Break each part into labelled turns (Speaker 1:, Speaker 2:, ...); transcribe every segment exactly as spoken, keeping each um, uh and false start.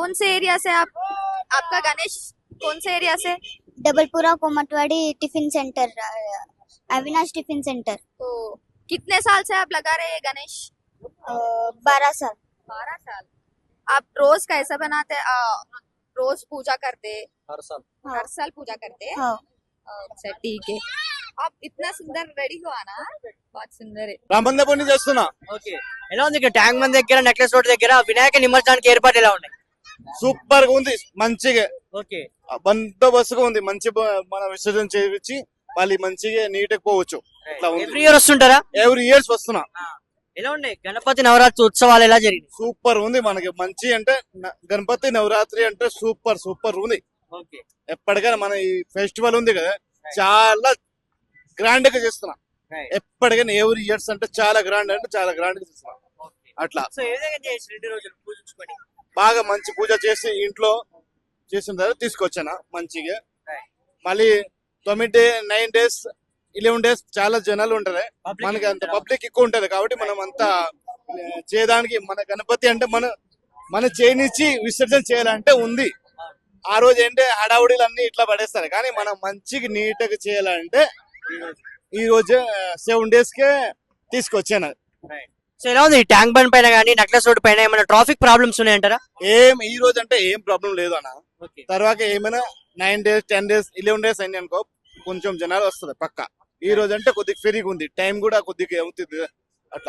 Speaker 1: कौन से एरिया से आप आपका गणेश कौन से एरिया से?
Speaker 2: Dabirpura Komatwadi tiffin centre, Avinash tiffin centre.
Speaker 1: तो कितने साल से आप लगा रहे हैं गणेश?
Speaker 2: बारह साल।
Speaker 1: बारह साल। आप रोज कैसा बनाते हैं? आ, रोज पूजा करते हैं?
Speaker 3: हर साल
Speaker 2: हाँ।
Speaker 1: हर साल पूजा करते हैं?
Speaker 2: हाँ।
Speaker 1: अच्छा ठीक है। आप इतना सुंदर रेडी हुआ ना, बहुत सुंदर है।
Speaker 4: రామందపూర్ నుంచి వస్తున్నా.
Speaker 3: ఓకే ఎలా ఉంది ఇక్కడ ట్యాంక్ బండ్ దగ్గర నెక్లెస్ రోడ్ దగ్గర వినాయక నిమజ్జనానికి ఏర్పాటు ఎలా ఉన్నాయి?
Speaker 4: సూపర్ గా ఉంది, మంచిగా
Speaker 3: ఓకే
Speaker 4: బందోబస్తుగా ఉంది. మంచి బ- మన విసర్జన చేయించి మళ్ళీ మంచిగా నీట్ గా పోవచ్చు. ఇట్లా ఉంది.
Speaker 3: ఎవ్రీ ఇయర్ వస్తుంటారా?
Speaker 4: ఎవ్రీ ఇయర్స్ వస్తున్నా.
Speaker 3: ఎలా ఉన్నాయి గణపతి నవరాత్రి ఉత్సవాలు ఎలా జరిగింది?
Speaker 4: సూపర్ ఉంది. మనకి మంచి అంటే న- గణపతి నవరాత్రి అంటే సూపర్ సూపర్ ఉంది.
Speaker 3: ఓకే
Speaker 4: ఎప్పటికైనా మన ఈ ఫెస్టివల్ ఉంది కదా, చాలా గ్రాండ్ గా చేస్తున్నా. ఎప్పటికైనా ఎవ్రీ ఇయర్స్ అంటే చాలా గ్రాండ్ అంటే చాలా గ్రాండ్ గా చేస్తున్నా. అట్లా
Speaker 3: సో ఏ విధంగా చేసి రెండు రోజులు పూజించుకొని
Speaker 4: బాగా మంచి పూజ చేసి ఇంట్లో చేసిన తర్వాత తీసుకొచ్చాను మంచిగా. మళ్ళీ తొమ్మిది day nine days eleven days చాలా జనాలు ఉంటారు.
Speaker 3: Public
Speaker 4: మనకి అంత
Speaker 3: ఎక్కువ
Speaker 4: పబ్లిక్ ఎక్కువ ఉంటది కాబట్టి మనం అంతా ఆ, చేయడానికి మన గణపతి అంటే మన మన చేయనిచ్చి విసర్జన చేయాలంటే ఉంది. ఆ రోజు ఏంటంటే హడావుడిలు అన్ని ఇట్లా పడేస్తారు, కానీ మనం మంచిగా నీట్ గా చేయాలంటే ఈ రోజు సెవెన్ డేస్ కే తీసుకొచ్చాను.
Speaker 3: సో ఎలా ఉంది ట్యాంక్ బండ్ పైన కానీ నెక్లెస్ రోడ్ పైన ఏమైనా ట్రాఫిక్ ప్రాబ్లమ్స్ ఉన్నాయంటారా?
Speaker 4: ఏం ఈ రోజు అంటే ఏం ప్రాబ్లం లేదు అన్న.
Speaker 3: ఓకే
Speaker 4: తర్వాత ఏమైనా nine days ten days eleven days అయింది అనుకో, కొంచెం జనాలు వస్తుంది పక్క. ఈ రోజు అంటే కొద్దిగా ఫ్రీగా ఉంది, టైం కూడా కొద్దిగా అవుతుంది అట్లా.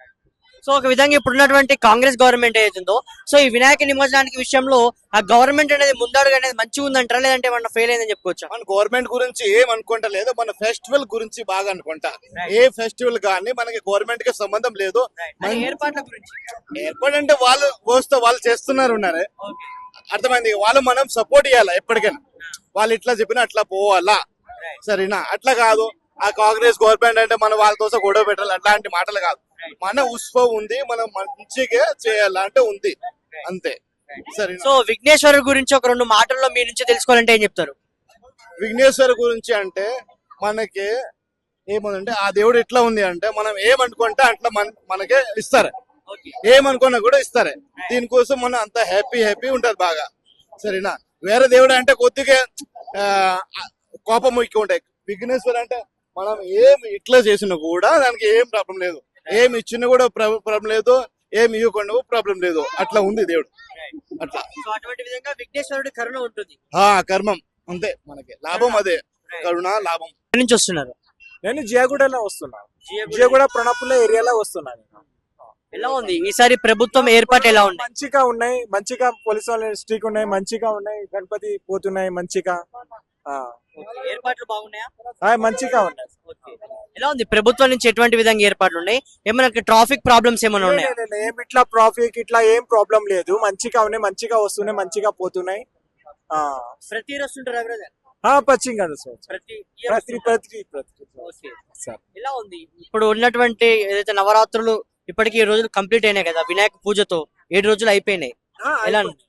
Speaker 3: సో ఒక విధంగా ఇప్పుడు ఉన్నటువంటి కాంగ్రెస్ గవర్నమెంట్ ఏదైతుందో సో ఈ వినాయక నిమజ్జనానికి విషయంలో ఆ గవర్నమెంట్ అనేది ముందడుగు అనేది మంచిగా ఉందంటారా, లేదంటే ఏమన్నా ఫెయిల్ అయిందని చెప్పుకోవచ్చా?
Speaker 4: మన గవర్నమెంట్ గురించి ఏం అనుకుంటా లేదు, మన ఫెస్టివల్ గురించి బాగా అనుకుంటా. ఏ ఫెస్టివల్ కానీ మనకి గవర్నమెంట్ కి సంబంధం లేదు.
Speaker 3: మన ఏర్పాట్ల గురించి
Speaker 4: ఏర్పాటు అంటే వాళ్ళు వస్తూ వాళ్ళు చేస్తున్నారు ఉన్నారు, అర్థమైంది. వాళ్ళు మనం సపోర్ట్ ఇవ్వాలా ఎప్పటికైనా. వాళ్ళు ఇట్లా చెప్పినా అట్లా పోవాలా, సరేనా? అట్లా కాదు ఆ కాంగ్రెస్ గవర్నమెంట్ అంటే మనం వాళ్ళ కోసం గొడవ పెట్టాలి అట్లాంటి మాటలు కాదు. మన ఉత్సవం ఉంది, మనం మంచిగా చేయాలంటే ఉంది అంతే, సరేనా?
Speaker 3: సో విఘ్నేశ్వరుడు గురించి ఒక రెండు మాటల్లో మీ నుంచి తెలుసుకోవాలంటే ఏం చెప్తారు?
Speaker 4: విఘ్నేశ్వర గురించి అంటే మనకి ఏముందంటే ఆ దేవుడు ఎట్లా ఉంది అంటే మనం ఏమనుకుంటే అట్లా మన మనకే ఇస్తారు, ఏమనుకున్నా కూడా ఇస్తారు. దీనికోసం మనం అంత హ్యాపీ హ్యాపీ ఉంటది బాగా, సరేనా? వేరే దేవుడు అంటే కొద్దిగా ఆ, కోపం ఎక్కువ ఉంటాయి. విఘ్నేశ్వర అంటే మనం ఏం ఇట్లా చేసినా కూడా దానికి ఏం ప్రాబ్లం లేదు, ఏం ఇచ్చినా కూడా ప్రాబ్లం లేదు, ఏం ఇవ్వకుండా ప్రాబ్లం లేదు. అట్లా ఉంది దేవుడు అట్లా.
Speaker 3: సో అటువంటి విధంగా విఘ్నేశ్వరుడి కరుణ ఉంటుంది.
Speaker 4: ఆ కర్మం అంతే, మనకి లాభం అదే, కరుణ లాభం.
Speaker 3: ఎక్కడి నుంచి వస్తున్నారు?
Speaker 5: నేను జియాగూడలో వస్తున్నా, జియాగూడ ప్రణపుల ఏరియాలో వస్తున్నాను.
Speaker 3: ఎలా ఉంది ఈసారి ప్రభుత్వం ఏర్పాటు ఎలా ఉంది?
Speaker 5: మంచిగా ఉన్నాయి, మంచిగా పోలీస్ వాళ్ళు స్ట్రీక్ ఉన్నాయి, మంచిగా ఉన్నాయి, గణపతి పోతున్నాయి మంచిగా. ఆ,
Speaker 3: ఏర్పాట్లు బాగున్నాయా?
Speaker 5: ఆ, మంచిగా ఉన్నాయి.
Speaker 3: ఎలా ఉంది ప్రభుత్వం నుంచి ఎటువంటి విధంగా ఏర్పాట్లు ఉన్నాయి? ఏమైనా ట్రాఫిక్ ప్రాబ్లమ్స్ ఏమైనా ఉన్నాయా?
Speaker 5: లే, లే, లే, ఏం ఇట్లా ట్రాఫిక్ ఇట్లా ఏం ప్రాబ్లం లేదు, మంచిగా ఉన్నాయి, మంచిగా వస్తున్నాయి, మంచిగా పోతున్నాయి. ఆ
Speaker 3: ప్రతి ఇయర్ వస్తుంటారా బ్రదర్?
Speaker 5: ఆ, పచ్చిగా సార్,
Speaker 3: ప్రతి year
Speaker 5: ప్రతి ప్రతి ప్రతి
Speaker 3: ఓకే.
Speaker 5: సార్.
Speaker 3: ఎలా ఉంది ఇప్పుడు ఉన్నటువంటి ఏదైతే నవరాత్రులు ఇప్పటికి ఏడు రోజులు కంప్లీట్ అయినాయి కదా, వినాయక పూజతో ఏడు రోజులు అయిపోయినాయి.
Speaker 5: ఆ,
Speaker 3: ఎలా
Speaker 5: అయిపోయింది.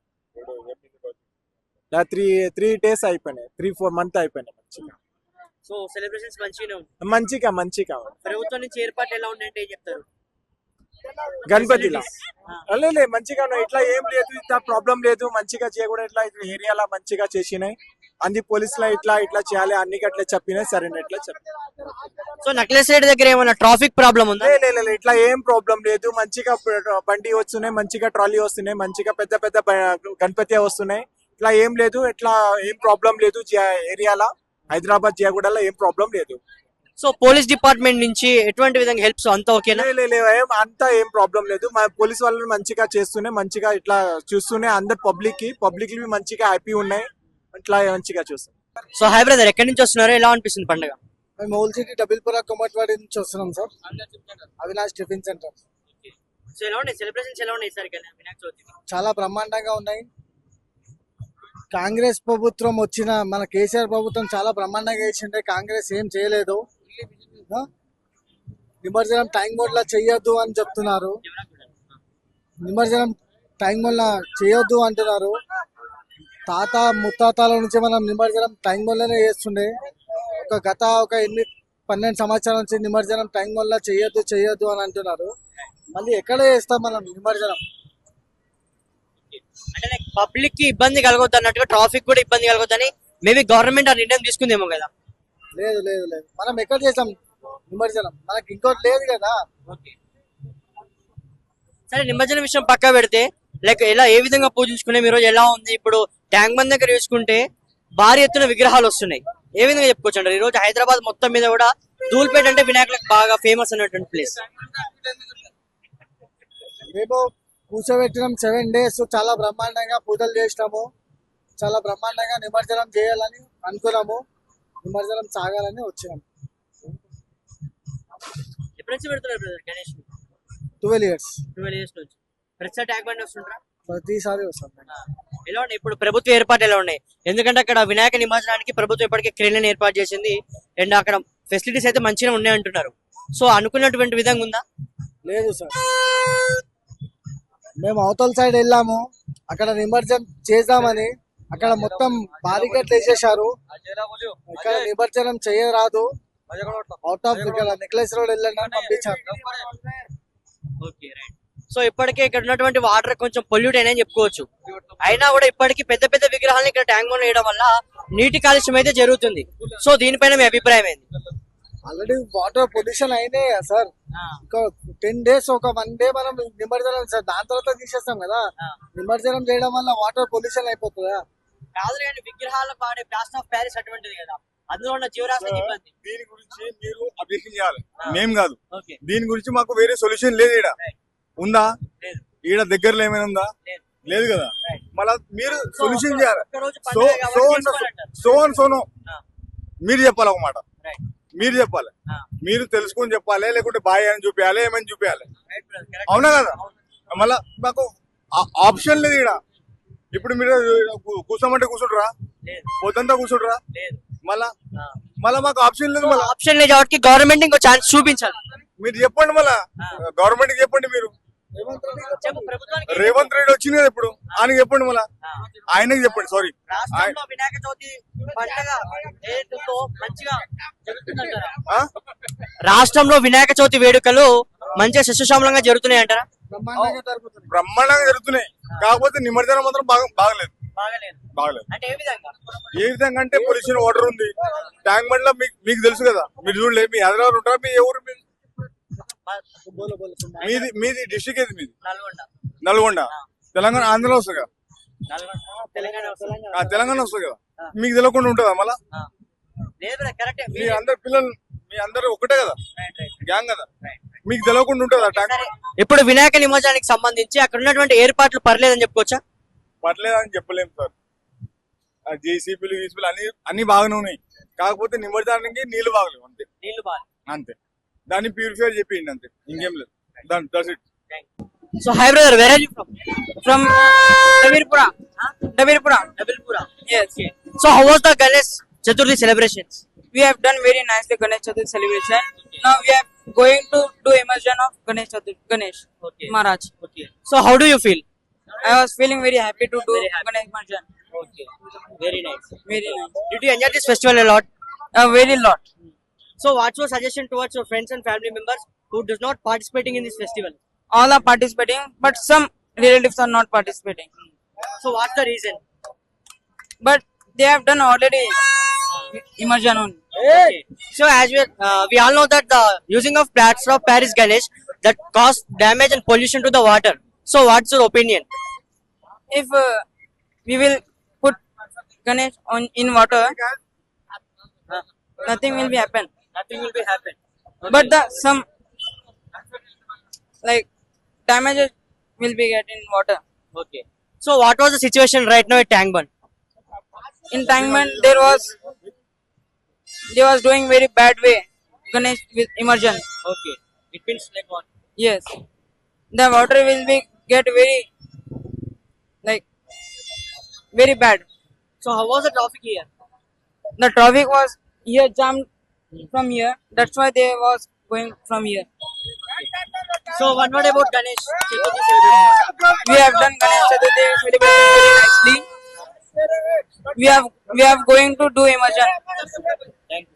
Speaker 5: త్రీ త్రీ డేస్ అయిపోయినాయి, త్రీ ఫోర్ మంత్ అయిపోయినాయి. మంచిగా
Speaker 3: సో సెలబ్రేషన్స్ మంచిగానే ఉంది.
Speaker 5: మంచిగా మంచిగా ఉంది.
Speaker 3: ప్రభుత్వం నుంచి ఏర్పాట్లు ఎలా ఉన్నాయంటే ఏం చెప్తారు?
Speaker 5: గణపతిలా
Speaker 3: ఆ.
Speaker 5: లేదు మంచిగా ఉన్నాయి, ఇట్లా ఏం లేదు, ఇట్లా ప్రాబ్లం లేదు, మంచిగా చేయకూడదు. ఇట్లా ఏరియాలో మంచిగా చేసినాయి, అన్ని పోలీసులు ఇట్లా ఇట్లా చేయాలి అన్ని అట్లా చెప్పినాయి, సరేనా? ఇట్లా చెప్పి
Speaker 3: సో నక్లెస్ రేట్ దగ్గర ఏమైనా ట్రాఫిక్ ప్రాబ్లం ఉందా?
Speaker 5: లే, లే, లే, ఇట్లా ఏం ప్రాబ్లం లేదు, మంచిగా ప- బండి వస్తున్నాయి, మంచిగా ట్రాలీ వస్తున్నాయి, మంచిగా పెద్ద పెద్ద బ- గణపతి వస్తున్నాయి. ఇట్లా ఏం లేదు, ఇట్లా ఏం ప్రాబ్లం లేదు. జియా- ఏరియాలో హైదరాబాద్ జియాగూడలో ఏం ప్రాబ్లం లేదు.
Speaker 3: సో పోలీస్ డిపార్ట్మెంట్ నుంచి ఎటువంటి విధంగా హెల్ప్స్ అంతా ఓకేనా?
Speaker 5: లే, లే, లే, ఏం అంతా ఏం ప్రాబ్లం లేదు. మా పోలీస్ వాళ్ళని మంచిగా చేస్తూనే, మంచిగా ఇట్లా చూస్తూనే అందరు పబ్లిక్ కి పబ్లిక్ మంచిగా హ్యాపీ ఉన్నాయి, ఇట్లా మంచిగా చూస్తాం.
Speaker 3: సో హై బ్రదర్ ఎక్కడి నుంచి వస్తున్నారు, ఎలా అనిపిస్తుంది పండుగ?
Speaker 6: మేము ఓల్డ్ సిటీ డబుల్పురా కొమట్వాడి నుంచి వస్తున్నాం sir, Avinash tiffin centre.
Speaker 3: So ఎలా ఉన్నాయి సెలబ్రేషన్స్, ఎలా ఉన్నాయి సార్ వినాయక చవితి?
Speaker 6: చాలా బ్రహ్మాండంగా ఉన్నాయి. కాంగ్రెస్ ప్రభుత్వం వచ్చిన మన కేసీఆర్ ప్రభుత్వం చాలా బ్రహ్మాండంగా చేసిండే, కాంగ్రెస్ ఏం చేయలేదు. ఆ? నిమజ్జనం టైం మోడ్లా చెయ్యొద్దు అని చెప్తున్నారు, నిమజ్జనం టైం మోడ్లా చేయొద్దు అంటున్నారు. తాత ముత్తాతల నుంచి మనం నిమజ్జనం టైం మోడ్లోనే చేస్తుండే. ఒక గత ఒక ఎనిమిది పన్నెండు సంవత్సరాల నుంచి నిమజ్జనం టైం వల్ల చెయ్యొద్దు చెయ్యొద్దు అని అంటున్నారు. మళ్ళీ ఎక్కడ చేస్తాం మనం నిమజ్జనం?
Speaker 3: అంటే పబ్లిక్ కి ఇబ్బంది కలగొద్దు అన్నట్టుగా ట్రాఫిక్ కూడా ఇబ్బంది కలగొద్దని మేబీ గవర్నమెంట్ ఆ నిర్ణయం తీసుకుందేమో కదా.
Speaker 6: లేదు లేదు లేదు మనం ఎక్కడ చేసాం నిమజ్జనం, మనకి ఇంకోటి లేదు కదా.
Speaker 3: సరే నిమజ్జనం విషయం పక్క పెడితే లైక్ ఎలా ఏ విధంగా పూజించుకునే ఈ రోజు ఎలా ఉంది? ఇప్పుడు ట్యాంక్ బండ్ దగ్గర చూసుకుంటే భారీ ఎత్తున విగ్రహాలు వస్తున్నాయి. ఏ విధంగా చెప్పుకోవచ్చు అంటారు? ఈ రోజు హైదరాబాద్ మొత్తం మీద కూడా ధూల్పేట అంటే వినాయకులకు బాగా ఫేమస్ అన్నటువంటి ప్లేస్.
Speaker 6: మేము కూర్చోబెట్టినాం సెవెన్ డేస్, చాలా బ్రహ్మాండంగా పూజలు చేసినాము, చాలా బ్రహ్మాండంగా నిమజ్జనం చేయాలని అనుకున్నాము, నిమజ్జనం సాగాలని వచ్చినాము.
Speaker 3: ఎప్పటి నుంచి పెడుతున్నారు brother Ganesh?
Speaker 6: Twelve years
Speaker 3: twelve years నుంచి ప్రతిసారి ట్యాంక్ బండ్ వస్తుంటారా?
Speaker 6: ప్రతిసారి వస్తాం.
Speaker 3: ఎలా ఉన్నాయి ఇప్పుడు ప్రభుత్వ ఏర్పాట్లు ఎలా ఉన్నాయి? ఎందుకంటే అక్కడ వినాయక నిమజ్జనానికి ప్రభుత్వం ఇప్పటికే క్రేన్లను ఏర్పాటు చేసింది అండ్ అక్కడ ఫెసిలిటీస్ అయితే మంచిగా ఉన్నాయి అంటున్నారు. సో అనుకున్నటువంటి విధంగా ఉందా?
Speaker 6: లేదు సార్, మేము అవతల సైడ్ వెళ్ళాము, అక్కడ నిమజ్జనం చేద్దామని అక్కడ మొత్తం బారికేట్లు వేసేసారు, ఇక్కడ నిమజ్జనం చేయరాదు, అవుట్ ఆఫ్ ఇక్కడ నెక్లెస్ రోడ్ వెళ్ళండి అని పంపించారు.
Speaker 3: సో ఇప్పటికే ఇక్కడ ఉన్నటువంటి వాటర్ కొంచెం పొల్యూట్ అయినా చెప్పుకోవచ్చు. అయినా కూడా ఇప్పటికీ పెద్ద పెద్ద విగ్రహాలను ఇక్కడ ట్యాంక్ బండ్ వేయడం వల్ల నీటి కాలుష్యం అయితే జరుగుతుంది. సో దీనిపైన మీ అభిప్రాయం ఏంది?
Speaker 6: ఆల్రెడీ వాటర్ పొల్యూషన్ అయినాయి కదా సార్, ఇంకా టెన్ డేస్ ఒక వన్ డే మనం నిమజ్జనం సార్, దాని తర్వాత తీసేస్తాం కదా. నిమజ్జనం చేయడం వల్ల వాటర్ పొల్యూషన్ అయిపోతుందా?
Speaker 3: కాదు కానీ విగ్రహాలకు వాడే ప్లాస్టర్ ఆఫ్ ప్యారిస్ అటువంటిది కదా, అందులో ఉన్న జీవరాశి ఇబ్బంది.
Speaker 7: దీని గురించి మీరు అబ్జెక్షన్ చేయాలి, మేం కాదు.
Speaker 3: ఓకే,
Speaker 7: దీని గురించి మాకు వేరే సొల్యూషన్ లేదు. ఈడ ఉందా?
Speaker 3: లేదు.
Speaker 7: ఈడ దగ్గరలో ఏమైనా ఉందా?
Speaker 3: లేదు.
Speaker 7: లేదు కదా. మళ్ళా మీరు సొల్యూషన్ చేయాలి.
Speaker 3: ఒక్కరోజు
Speaker 7: సో
Speaker 3: పండుగ
Speaker 7: సో
Speaker 3: కాబట్టి
Speaker 7: అండ్
Speaker 3: చేసుకోవాలంటారు.
Speaker 7: సో అండ్ సోనో
Speaker 3: ఆ.
Speaker 7: మీరు చెప్పాలి ఒక మాట,
Speaker 3: Right.
Speaker 7: మీరు చెప్పాలి,
Speaker 3: ఆ.
Speaker 7: మీరు తెలుసుకొని చెప్పాలి, లేకుంటే బాయ్ అని చూపించాలి, ఏమని చూపించాలి.
Speaker 3: Right, brother. Correct.
Speaker 7: అవునా కదా? మళ్ళా మాకు ఆప్షన్ లేదు ఈడ. ఇప్పుడు మీరు కూ- కూర్చోమంటే కూర్చుంటారా?
Speaker 3: లేదు.
Speaker 7: పొద్దంతా కూర్చుంటారా?
Speaker 3: లేదు.
Speaker 7: మళ్ళా
Speaker 3: ఆ.
Speaker 7: మళ్ళా మాకు ఆప్షన్ లేదు. మళ్ళా
Speaker 3: ఆప్షన్ లేదు కాబట్టి గవర్నమెంట్ ఇంకో ఛాన్స్ చూపించాలి.
Speaker 7: మీరు చెప్పండి, మళ్ళా గవర్నమెంట్ చెప్పండి. మీరు
Speaker 3: చెప్పు ప్రభుత్వానికి.
Speaker 7: రేవంత్ రెడ్డి వచ్చింది కదా ఇప్పుడు, ఆయనకి చెప్పండి, మళ్ళా
Speaker 3: ఆ.
Speaker 7: ఆయనకి చెప్పండి. సారీ,
Speaker 3: రాష్ట్రంలో వినాయక చవితి పండుగ ఏదైతుందో మంచిగా జరుగుతుందంటారా?
Speaker 7: ఆ?
Speaker 3: రాష్ట్రంలో వినాయక చవితి వేడుకలు మంచిగా శిశుశామలంగా జరుగుతున్నాయి అంటారా?
Speaker 6: బ్రహ్మాండంగా జరుగుతుంది.
Speaker 7: బ్రహ్మాండంగా జరుగుతున్నాయి. కాకపోతే నిమజ్జనం మాత్రం బాగా బాగలేదు
Speaker 3: బాగలేదు.
Speaker 7: బాగలేదు
Speaker 3: అంటే ఏ విధంగా?
Speaker 7: ఏ విధంగా అంటే పొల్యూషన్ వాటర్ ఉంది ట్యాంక్ బండ్ లో. మీకు మీకు తెలుసు కదా, మీరు చూడలేదు. మీ హైదరాబాద్ ఉంటారా? మీ ఎవరు? మీ-
Speaker 6: బోలో బోలో సున్నా.
Speaker 7: మీది మీది డిస్ట్రిక్ట్ ఏది? మీది
Speaker 3: నల్గొండ.
Speaker 7: నల్గొండ. తెలంగాణ, ఆంధ్రలో వస్తుంది కదా.
Speaker 3: నల్గొండ తెలంగాణ వస్తుంది.
Speaker 7: ఆ, తెలంగాణ వస్తుంది కదా. మీకు తెలియకుండా ఉంటుందా? మళ్ళా
Speaker 3: ఆ. లేదు బ్రదర్, కరెక్టే.
Speaker 7: మీ అందరు పిల్లలు, మీ అందరు ఒకటే కదా,
Speaker 3: Right, right.
Speaker 7: గ్యాంగ్ కదా. మీకు తెలియకుండా ఉంటుందా ట్యాంక్
Speaker 3: సరే, ఇప్పుడు వినాయక నిమజ్జనానికి సంబంధించి అక్కడ ఉన్నటువంటి ఏర్పాట్లు పర్లేదని చెప్పుకోవచ్చా?
Speaker 7: పర్లేదని చెప్పలేము సార్. జేసీపీలు గీసీపీలు అన్ని అన్ని బాగానే ఉన్నాయి. కాకపోతే నిమజ్జనానికి నీళ్లు బాగలేవు, అంతే
Speaker 3: నీళ్లు బాగా.
Speaker 7: అంతే. దాన్ని ప్యూరిఫై చెప్పిండి, అంతే, ఇంకేం లేదు. దాని that's it.
Speaker 3: So hi brother, where are you from?
Speaker 8: From Davirpura. Davirpura.
Speaker 3: Nabilpura.
Speaker 8: Yes.
Speaker 3: So how was the Ganesh Chaturthi celebrations?
Speaker 8: We have done very nicely Ganesh Chaturthi celebration. Now we are going to do immersion of Ganesh Chaturthi, Ganesh
Speaker 3: Okay.
Speaker 8: Maharaj.
Speaker 3: Okay. So how do you feel?
Speaker 8: I was feeling very happy to do
Speaker 3: Very happy.
Speaker 8: Ganesh immersion.
Speaker 3: Okay. Very nice.
Speaker 8: Very nice.
Speaker 3: Did you enjoy this festival a lot?
Speaker 8: A very lot.
Speaker 3: So what's your suggestion towards your friends and family members who does not participating in this festival?
Speaker 8: All are participating, but some relatives are not participating.
Speaker 3: So what's the reason?
Speaker 8: But they have done already immersion only.
Speaker 3: Okay. So as we uh, we all know that the using of plaster of Paris Ganesh that cause damage and pollution to the water. So what's your opinion?
Speaker 8: If uh, we will put Ganesh on in water, uh, nothing will be happen.
Speaker 3: Nothing will be happen.
Speaker 8: But the some like damages will be get in water.
Speaker 3: Okay. So what was the situation right now at Tank Bund?
Speaker 8: In Tangman there was they was doing very bad way Ganesh with immersion.
Speaker 3: Okay. It means like what?
Speaker 8: Yes, the water will be get very like very bad.
Speaker 3: So how was the traffic here?
Speaker 8: The traffic was here jammed from here. That's why they was going from here.
Speaker 3: So one word about Ganesh Chaturthi celebration.
Speaker 8: We have done Ganesh Chaturthi celebration very nicely. We have we have going to do immersion.
Speaker 3: Thank you.